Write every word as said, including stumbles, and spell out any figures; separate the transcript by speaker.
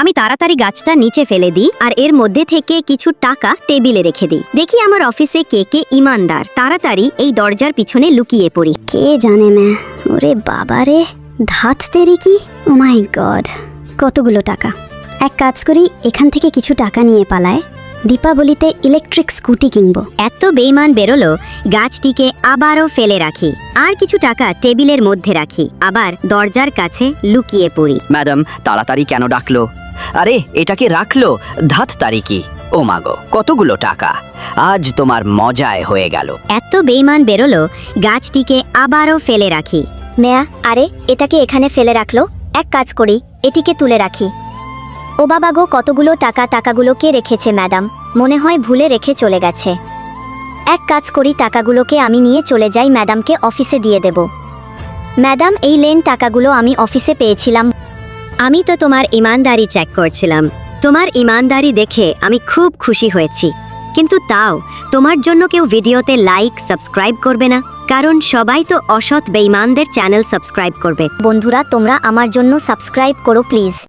Speaker 1: আমি তাড়াতাড়ি গাছটা নিচে ফেলে দিই আর এর মধ্যে থেকে কিছু টাকা টেবিলে রেখে দিই। দেখি আমার অফিসে কে কে ইমানদার। তাড়াতাড়ি এই দরজার পিছনে লুকিয়ে পড়ি। কে জানে ম্যা, ওরে বাবারে, ধাত তেরি কি, ও মাই গড, কতগুলো টাকা। এক কাজ করি, এখান থেকে কিছু টাকা নিয়ে পালায়, দীপাবলিতে ইলেকট্রিক স্কুটি কিনবো। এত বেইমান বেরোলো, গাছটিকে আবারও ফেলে রাখি আর কিছু টাকা টেবিলের মধ্যে রাখি, আবার দরজার কাছে লুকিয়ে পড়ি।
Speaker 2: ম্যাডাম তাড়াতাড়ি কেন ডাকলো? আরে এটাকে রাখলো, ধাত তারিকি। ও মাগো, কতগুলো টাকা, আজ তোমার মজায় হয়ে গেল।
Speaker 1: এত বেইমান বেরোলো, গাছটিকে আবারও ফেলে রাখি।
Speaker 3: মেয়া, আরে এটাকে এখানে ফেলে রাখলো, এক কাজ করি, এটিকে তুলে রাখি। ও বাবা গো, কতগুলো টাকা, টাকাগুলো কে রেখেছে ম্যাডাম? মনে হয় ভুলে রেখে চলে গেছে। এক কাজ করি, টাকাগুলোকে আমি নিয়ে চলে যাই, ম্যাডামকে অফিসে দিয়ে দেব। ম্যাডাম এই লেন, টাকাগুলো আমি অফিসে পেয়েছিলাম।
Speaker 1: আমি তো তোমার ইমানদারি চেক করছিলাম। তোমার ইমানদারি দেখে আমি খুব খুশি হয়েছি, কিন্তু তাও তোমার জন্য কেউ ভিডিওতে লাইক সাবস্ক্রাইব করবে না, কারণ সবাই তো অসৎ বেঈমানদের চ্যানেল সাবস্ক্রাইব করবে।
Speaker 3: বন্ধুরা, তোমরা আমার জন্য সাবস্ক্রাইব করো প্লিজ।